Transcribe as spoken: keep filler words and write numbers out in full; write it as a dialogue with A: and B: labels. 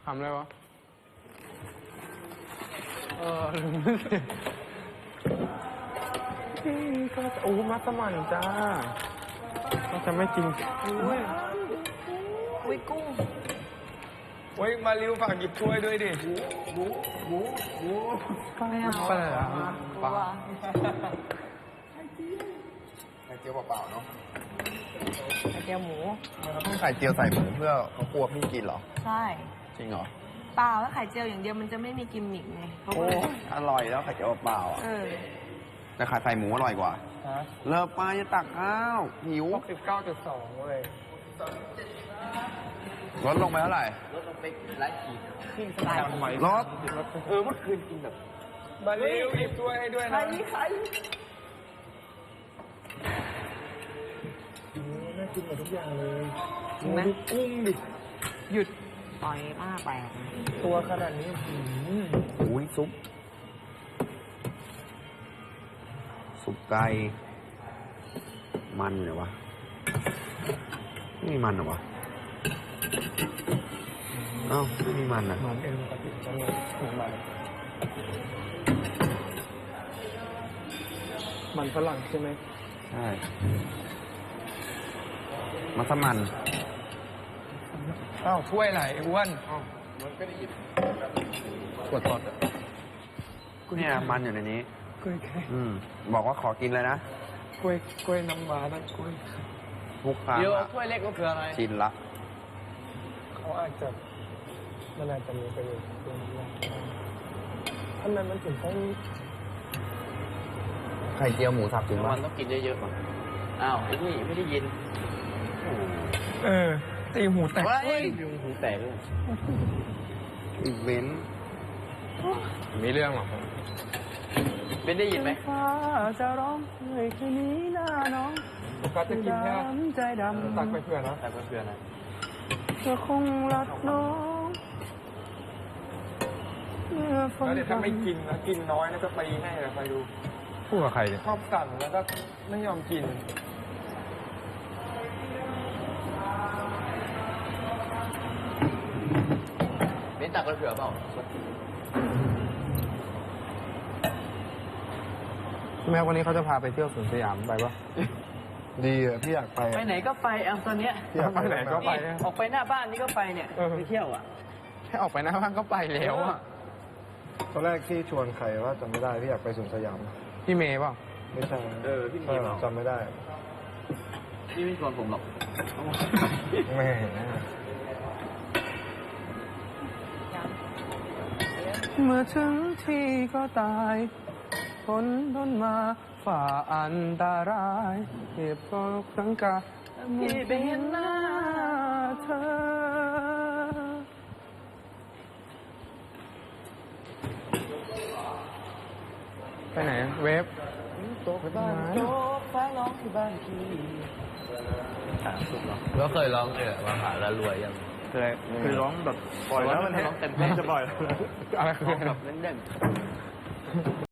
A: ทำอะไรวะเออพี่ก็โอ้มัสมั่นจ้าก็จะไม่กินอุ้ย
B: อุ้ยกุ้ง
C: โอ้ยมาริวฝากหยิบถ้วยด้วยดิ
B: ไม่เอา
A: ปลาอะไรอ่ะปลา
D: ไข่เจียวเปล่าๆเนาะ
B: ไข่เจียวหมู
D: เราต้องไข่เจียวใส่หมูเพื่อเขากลัวพี่กินเหรอ
B: ใช่
D: จริงเหรอ
B: เปล่าแล้วไข่เจียวอย่างเดียวมันจะไม่มีกิมมิกไงเขาก็
D: โอ้
B: เลย
D: อร่อยแล้วไข่เจียวเปล่าๆอ่ะ
B: เออ
D: แต่ไข่ใส่หมูอร่อยกว่า
A: ฮะ
D: เลิกไปจะตักข้าวหิว
A: หกสิบเก้าจุดสองเว้ย
D: ลดลงไปเท่าไหร่
B: กินสไตล์
A: ทำไม
D: รส
A: เออเมื่อคืนกินแบบ
C: มาริวหยิบถ้วยให้ด้วย
B: ใคร
C: นะ
B: ใคร
A: น่ากินหมดทุกอย่างเลย
B: จริงไหม
A: ดูกุ้งดิหยุด
B: ต่อยมากแปลก
A: ตัวขนาดนี้หืม
D: อุ้ยซุป ซุปไก่ มันเหรอวะไม่มีมันเหรอวะเอ้าไม่มีมันอ่ะ
A: มันเองปกติจะมีมันมันฝรั่งใช่ไหม
D: ใช่ มัสมั่น
C: อ้าวถ้วยไหนอ้วน
A: ขวดทอดอ่ะ
D: เนี่ยมันอยู่ในนี้
A: กล้วยแค่
D: อืม บอกว่าขอกินเลยนะ
A: กล้วยกล้วยน้ำว้านะกล้วย
D: ทุกครั้ง
C: เดี๋ยว
D: อะ
C: ถ้วยเล็กก็คืออะไร
D: ชินละ
A: เขาอาจจะมันอาจจะมีประโยชน์ตรงนี้ทำไมมันถึงต้อง
D: ไข่เจียวหมูสับถึง
C: มั
D: ว่าน
C: ต้องกินเยอะๆก่อนอ้าวไอ้นี่ไม่ได้ยิน
A: เออตีหูแตก
D: เฮ้ย
C: ยุงหูแตกเลย
D: อีเวนต์
A: มีเรื่องหรอ
C: เป็นได้ยินไหม
A: ฟ้าจะร้องเฮ้ยคืนนี้หน้าน้องก็จะกินแค่ใจดำตักไปเพื่อนนะ
C: แต่เพื่อนๆนะ
A: เธอคงรักน้องเมื่อฝน
C: แล้วเดี๋ยวถ้าไม่กินนะกินน้อยนะจะตีให้นะใครดู
A: พูดกับใครเนี่ย
C: ชอบสั่งแล้วก็ไม่ยอมกิน เป็นตักเผื่อเปล่า
A: แม่วันนี้เขาจะพาไปเที่ยวสวนสยามไปปะ
D: ดีอ่ะพี่อยากไป
B: ไปไหนก็ไปเอาตอนเนี้ย
D: พี่อยาก
A: ไปไหนก็ไป
B: นี่ออกไปหน้าบ้านนี่ก็ไปเนี่ย
A: เออ
B: ไปเที่ยวอ่ะ
A: แค่ออกไปหน้าบ้านก็ไปแล้วอ่ะ
D: ตอนแรกที่ชวนใครว่าจำไม่ได้พี่อยากไปสวนสยาม
A: พี่เมย์เปล่า
D: ไม่ใช่
C: เออพี่มีเปล่า
D: จำไม่ได้
C: พี่ไม่ชวนผมหรอก
D: ไม่เห็น
A: เมื่อถึงที่ก็ตายทนทนมาฝ่าอันตรายเหตุเพราะครั้งกา
B: พี่ไปเห็นหน้า
A: เธอไปไหนเวฟ
B: โต๊ะบ้านโต๊ะฟ้าร้องที่บ้านพี่
C: ก็เคยร้องเลยว่าหาแล้วรวยยัง
A: เคยคือร้องแบบ
C: ปล่อยแล้วมันร้องเต็มเพลง
A: จะปล่อยอะไรคือ
C: แบบเล่นๆ